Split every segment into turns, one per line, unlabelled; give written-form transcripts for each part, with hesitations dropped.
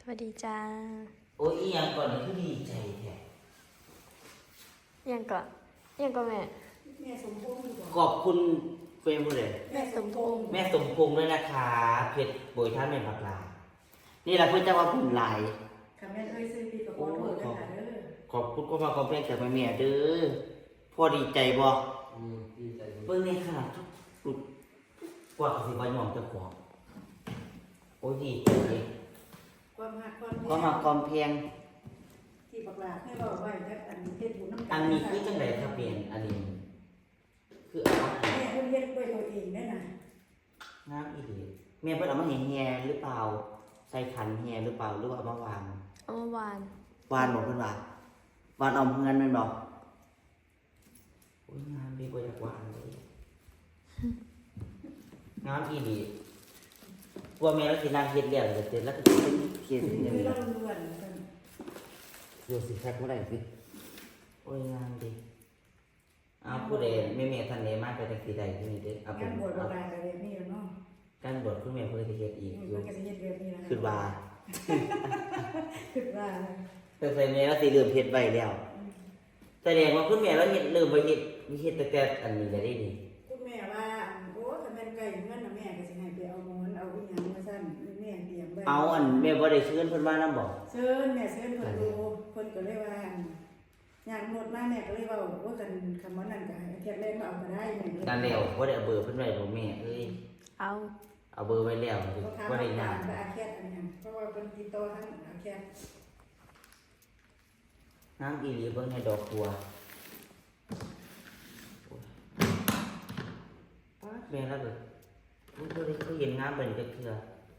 สวัสดีจ้า
โอ้ยอีหยังก่อนนี่คือดีใจแท้
ยังก่อนแม่
สมพงษ์ดีกว่า
ขอบคุณเฟรมเลย
แม่สมพงษ์
แม่สมพงษ์ด้วยนะคะเพชรโบยท่านแม่บักลานี่แหละเพื่อนเจ้าว่าผมหลาย
ค่ะแม่เอ้ยซื้อปีกับพ่อโทษนะคะเด้อ
ขอบคุณก็มาคอมเพลงจากแม่เด้อพ่อดีใจบ่
ดีใจ
เบิ่งในขนาดทุกลุกกว่าสิว่าหย่อมเจ้าของโอ้ยดีใจ
ความหักความ
ก็มาคอมเพลง
ที่บักหลาให้เราไว้จักอันเฮ็ดบุญน้ำกั
อันนี้คือจังไดครับเปลี่ยนอันนี้คือเอามาให้
แม่เพิ่นเฮ็ดด้วยตัวเองได้น่ะ
น้ำอีหลีแม่เพิ่นเอามาให้แฮหรือเปล่าใส่ขันแฮหรือเปล่าหรือว่าเอามาวาง
เอามาวาน
วานบอกเพื่อนว่าวานเอาเงินมันบอกโอ้ยงานดีกว่าจากวานเลยงานอีดีกลัวแม่แล้วสินางเฮ็ดเรื่องเลยเสร็จแล้วก็เป็นเขียน
คือ
อย่างนี้
เราล้วนๆกัน
ดูสิแท็กเมื่อไหร่สิโอ้ยงานดีเอาผู้ใดแม่ท่านใดมากไปทางสีใดที่นี่เด้อเอาเป็
งาน นบวชบักหลาก็แบบนี้แล้วเนาะ
การบวชคุณแม่เพื่อจะเฮ็ดอีกอยู่
มันก็สิเฮ็ดแบบนี้นะ
คือว่า
คิดว่า
แต่ใส่แม่แล้วสิเริ่มเฮ็ดไว้แล้วแสดงว่าคุณแม่แล้วเฮ็ดเริ่มไปเฮ็ดแต่อันนี้ได้ดี
คุณแม่ว่าโอ้ถ้าแม่นไก่เงินน่ะแม่ก็สิให้ไปเอาหมอนเอาอีหยังมาซั่นแม่เตรียมไว้
เอาอันแม่บ่ได้เชิญเพิ่นมานำบ่
เชิญแม่เชิญเพิ่นดูเพิ่นก็เลยว่าย่างรถมาแม่ก็เลยเว้าว่ากันคำว่านั้นก็ให้เทียบเล่นมาเอาก็ได้แม่ก็เลย
นั่นแล้วบ่ได้เอาเบอร์เพิ่นไว้บ่แม่เอ้ย
เอา
เอาเบอร์ไว้แล้ว
เขาถาม
บ่
ว่า
ได้
กาย
าร ก
กับอาแคทอันนี้เพราะว่าเป็นติดต่อทั้งอาแคท
น้ำอีหลีเบิ่งให้ดอกบัวป๊าดแม่แล้วเด้อบ่ได้เคยเห็นงามแบบนี้จักเทื่อ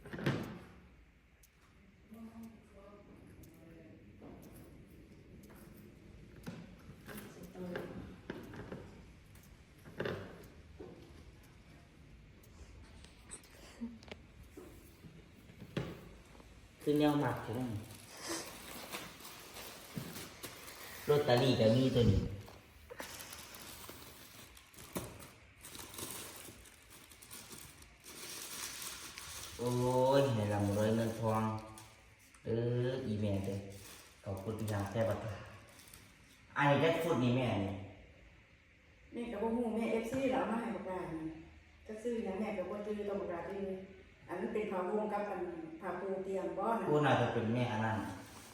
คือแนวมักใช่ไหมลอตเตอรี่ก็มีตัวนี้โอ้ยให้ร่ำรวยเงินทองอีแม่เด้อขอบคุณที่ทางแท้บัดนี้อันนี้ได้สุดนี่แม่นี่
แม่ก็บ่ฮู้แม่ FC แล้วมาให้ประกาศก็ซื้อหยังแม่ก็บ่จื้อต้องประกาศอีอันนั้นเป็นผ้าวงกับอันผ้าปูเตียงบ่น่ะ
ผู้น่าจะเป็นแม่อันนั้น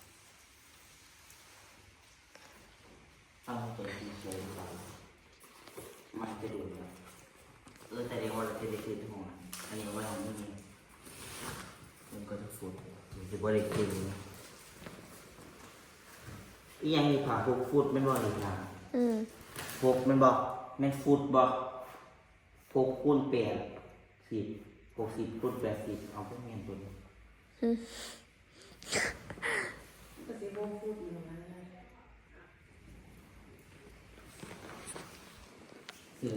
ตั้งใจดีใจหรือเปล่ามันจะดูนะแต่เดี๋ยวว่าเราจะได้คืนทั้งหมดอันนี้ว่าเราไม่มีมันก็จะฟุดจะบริคืนอียังมีผ่าพกฟุดไม่นบ่หรือผ่าพกมันบอกแม่นฟุดบอกพกคูณ80 60คูณ80เอาพวกแม่นตัวนี้
ก็สิบ่พูดอยู่ว่า
สื่อ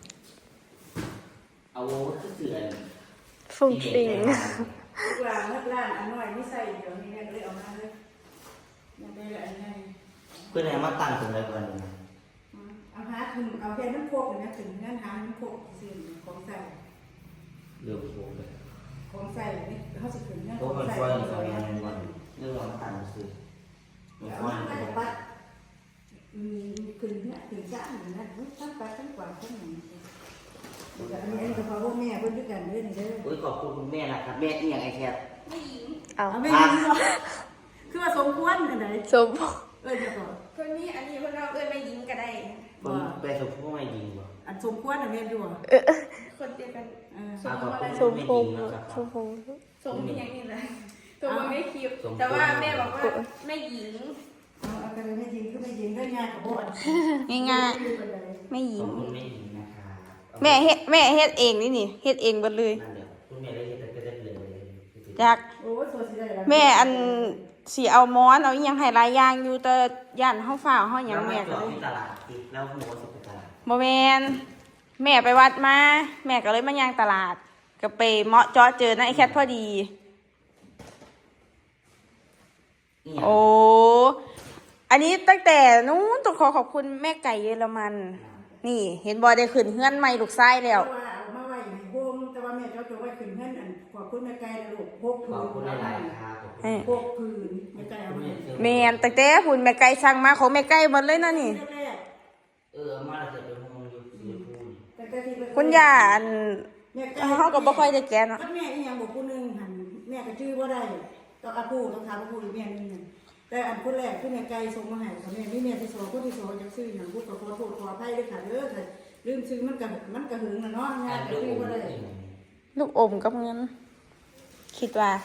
เอาคือเสือ
ฟุ้งฟิง
ทุกอย่างเมื่อร้านอันน้อยนี่ใส่เดี๋ยวนี้แม่ก็เลยเอามาเลยยังได้ละอันใหญ่
เพื่อนเอามาตั้งตรงไหนก่อนนะ
เอาหาถึงเอาแค่น้ำโคกนะถึงนั่นหาน้ำโคกซื้อของใส่
เรือโค้งเลย
ของใส่นี่เขาสิถึงนั่น
โค้งมันฟอยมันฟอยมันวันเรื่องมันตั้งซื้อมัน
เอา
ฟอย
มา
มัน
จากบัดขึ้นเนี่ยถึงจ้าอย่างนั้นทั้งไปทั้งกว่าทั้งหนึ่งอันนี้ก็เพราะว่าแม่เพิ่นด้วยกันเด้อนี่เด้อ
โอ้ยขอบคุณคุณแม่นะครับแม่อีหยังไอ้แคท
เอา
เอาไม่ยิงหรอคือว่าสมควรอันไหน
สม
จะก่อน
คนนี้อันนี้คนเราไม่ยิงก็ได้
ผมไปสมพงษ์ไม่ยิงบ่
อันสมควรอันแม่อยู่
คนเดียวกัน
สมพงษ์สมพงษ์
สมมีอย่างนี้เลยตัวมันไม่คิวแต่ว่าแม่บอกว่าไม่ยิง
เอากันไม่ยิงคือไม่ยิงได้ง่ายกับบ่
ง่ายๆไม่ยิ
ข
ง
อบคุณแม่ยิงนะคะ
แม่เฮ็ดเองนี่เฮ็ดเองหมดเลย
นั่นเดี๋ยวคุณแม่ได้เห็นแต่ได้เลย
จาก
โอ้ยตัวสิได้ละ
แม่อันสีเอาม้อนเอาอหยังให้หลายอย่างอยู่แต่ย่านเฮาฟ้าวเฮาหยังแม่ก็
แล้ว
เลย
ที่ตลาดอีกแล้วหัวสุดตลาด
บ่แม่นแม่ไปวัดมาแม่ก็เลยมาย่างตลาดก็ไปเหมาะเจาะเจอนะไอ้แคทพอดี โอ้ อันนี้ตั้งแต่นู้นต้องขอบคุณแม่ไก่เยอรมัน นี่ เห็นบอยได้ขึ้นเฮือนใหม่ลูกไส้แล้ว
ว่าเอามาไว้ในโฮมแต่ว่าแม่เจ้าตัวไว้ขึ้นเงินอันขอบคุณแม่ไก่นะลูกพก
ขอบคุณหลายๆครับขอบ
พวกพื้นไม่ไกลเอามา
แม่นตั้งแต่หุ่นแม่ไก่สั่งมาของแม่ไก่หมดเลยนะนี่
แรก
มาแล้วจะเป็นห้องอยู่สีพูน
แต่ก็ที่
คุณย่าอัน
แม่ไก่
เฮาก็บ่ค่อยได้แกะเนาะ
แม่อีหยังบอกผู้หนึงหันแม่ก็ชื่อบ่ได้ต้องอาผู้ต้องถามอาผู้อีกแม่นึงนั่นแต่อันคนแรกคือแม่ไก่ส่งมาให้กับแม่นี่แม่ที่สองคนที่สองจักซื้อหยังพูดขอโทษขออภัยด้วยค่ะเด้อค่ะลืมซื้อมันก็หึงน่ะเนาะงานก็ชื่อบ่ได้
ลูกอมกับเงิน คิดว่า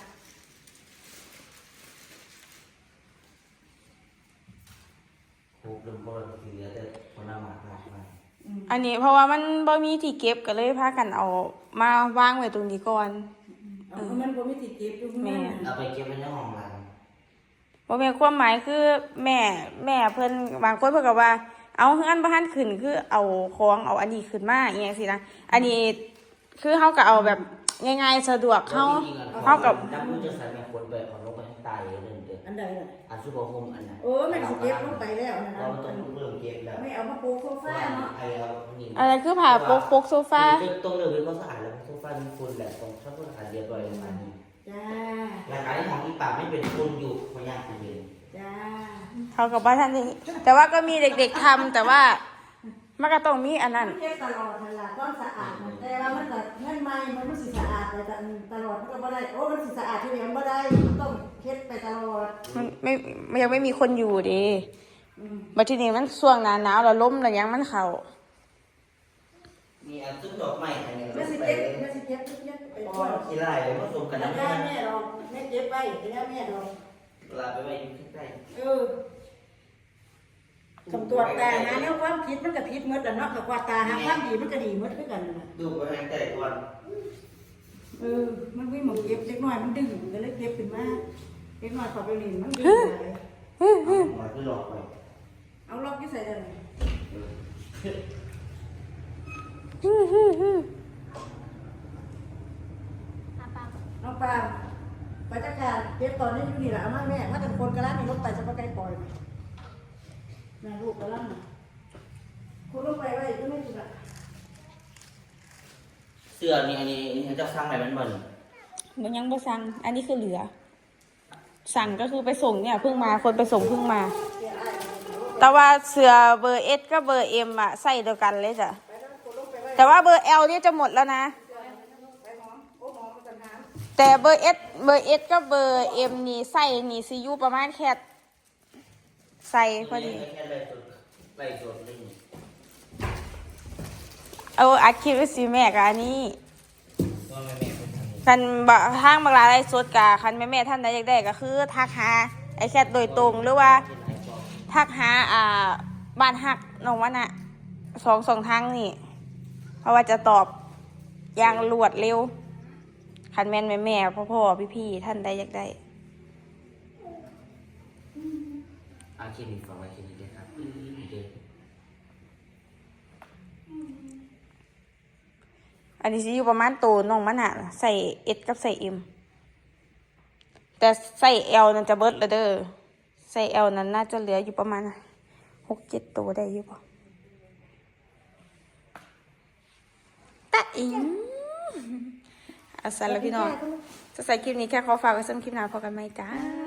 ครบเริ่มบ่ได้เหลือแต่คนละหมากมา
อันนี้เพราะว่ามันบ่มีที่เก็บก็เลยพากันเอามาวางไว้ตรงนี้ก่อน
เอามันบ่มีติดเก็บอยู่ข้างใน
เอาไปเก็บไว้ในห้องเรา
บ่แม่นความหมายคือแม่เพิ่นบางคนเพิ่นก็ว่า เอาเฮือนบ่ทันขึ้นคือเอาของเอาอันนี้ขึ้นมาอีหยังสินะอันนี้คือเฮาก็เอาแบบง่ายๆสะดวกเฮากับ
น้ำมือจะใส่แม่คนไปเอาลงไปให้ตายเลยเด้อ
อันใดล่ะ
อันซุปเปอร์โฮมอันนั้น
โอ้แม่สิเก็บลงไปแล้วนะ
เราต้องเริ่มเก็บแล้ว
ไม่เอามาปูโซฟาเนาะ
ไอ้เรานี่
อะไรคือผ้าปกโซฟา
ต้องเริ่มเป็นความสะอาดแล้วโซฟามีฝุ่นแหละต้องทำความสะอาดเรียบร้อยประมาณนี้
จ้า
หลักการที่ของที่ปากไม่เป็นฝุ่นอยู่พยายามทำเอง
จ้า
เขากับว่าท่านนี่แต่ว่าก็มีเด็กๆทำแต่ว่ามันก็ต้องมีอันนั้น
เก็บตลอดนั่นล่ะความสะอาดมันแต่ว่ามันก็เงินใหม่มันสิสะอาดไปตลอดมันก็บ่ได้โอ้มันสิสะอาดทีเดียวมันบ่ได้มันต้องเฮ็ดไปตลอด
มันยังไม่มีคนอยู่ดิ
อืม
บัดทีนี้มันช่วงหนาหนาวแล้วลมแล้วยังมันเข่า
มีอันซุปดอกไม้อันนี้
แม่สิ
ไป
เก็บไป
พ
ก่
อ
อน
ขี้ไล่ผสมกัน
แล้ว
น้ำ
แม่เราแม่เก็บไปแล้วแม่เรา
ลาไปไว้อยู่ใกล้
คำตรวจตานะแล้วความผิดมันก็ผิดหมดแล้วเนาะกับว่าตาหาความดีมันก็ดีหมดคือกันน่ะ
ดูไปทางแต่ก่อน
มันมีหมกเก็บเล็กน้อยมันดึงก็เลยเก็บขึ้นมาเล็กน้อยขอไปเล่นมันดึงไป
หมอคือหลอกไป
เอาล็อกที่ใส่ได้เลยน้องปาไปจัดการเก็บตอนนี้อยู่นี่แหละเอามาแม่ถ้าเป็นคนกระลังมีรถไปจะไปไกลปล่อยแม่ลูกกระลังคุณลงไปไว้ก็ไม่ถูกละ
เสื้อนี่อันนี้เจ้าสร้างอะไรมันบ่น
มันยังบ่สั่งอันนี้คือเหลือ สั่งก็คือไปส่งเนี่ยเพิ่งมาคนไปส่งเพิ่งมา แต่ว่าเสื้อเบอร์ S กับเบอร์ M อะใส่เดียวกันเลยจ้ะแต่ว่าเบอร์ L เนี่ยจะหมดแล้วนะ แต่เบอร์ S กับเบอร์ M นี่ใส่นี่ซียูประมาณแค่ใส่พอดี
แค่ไล่สดเลย
เอาอัดคลิปไว้สิแม่กับอันนี้
ว่าแม่เป็นทางนี้
คันบะทางบางรายไลฟ์สดกะคันแม่ท่านใดอยากได้ก็คือทักหาไอ้แคทโดยตรงหรือว่าทักหาบ้านฮักน้องวะน่ะสองทางนี่เพราะว่าจะตอบอย่างรวดเร็วคันแม่นแม่พ่อพี่ท่านใดอยากได้
อาชีพนี้ฟังไว้แค่นี้ครับเด็ก
อันนี้สิอยู่ประมาณโตน้องมันน่ะใส่ S กับใส่ M แต่ใส่ L นั่นจะเบิดแล้วเด้อใส่ L นั้นน่าจะเหลืออยู่ประมาณ6-7 ตัวได้อยู่ป่ะตะอิงอาสาแล้วพี่น้องจะใส่คลิปนี้แค่ขอฝากไว้สำหรับคลิปหน้าพอกันไหมจ้า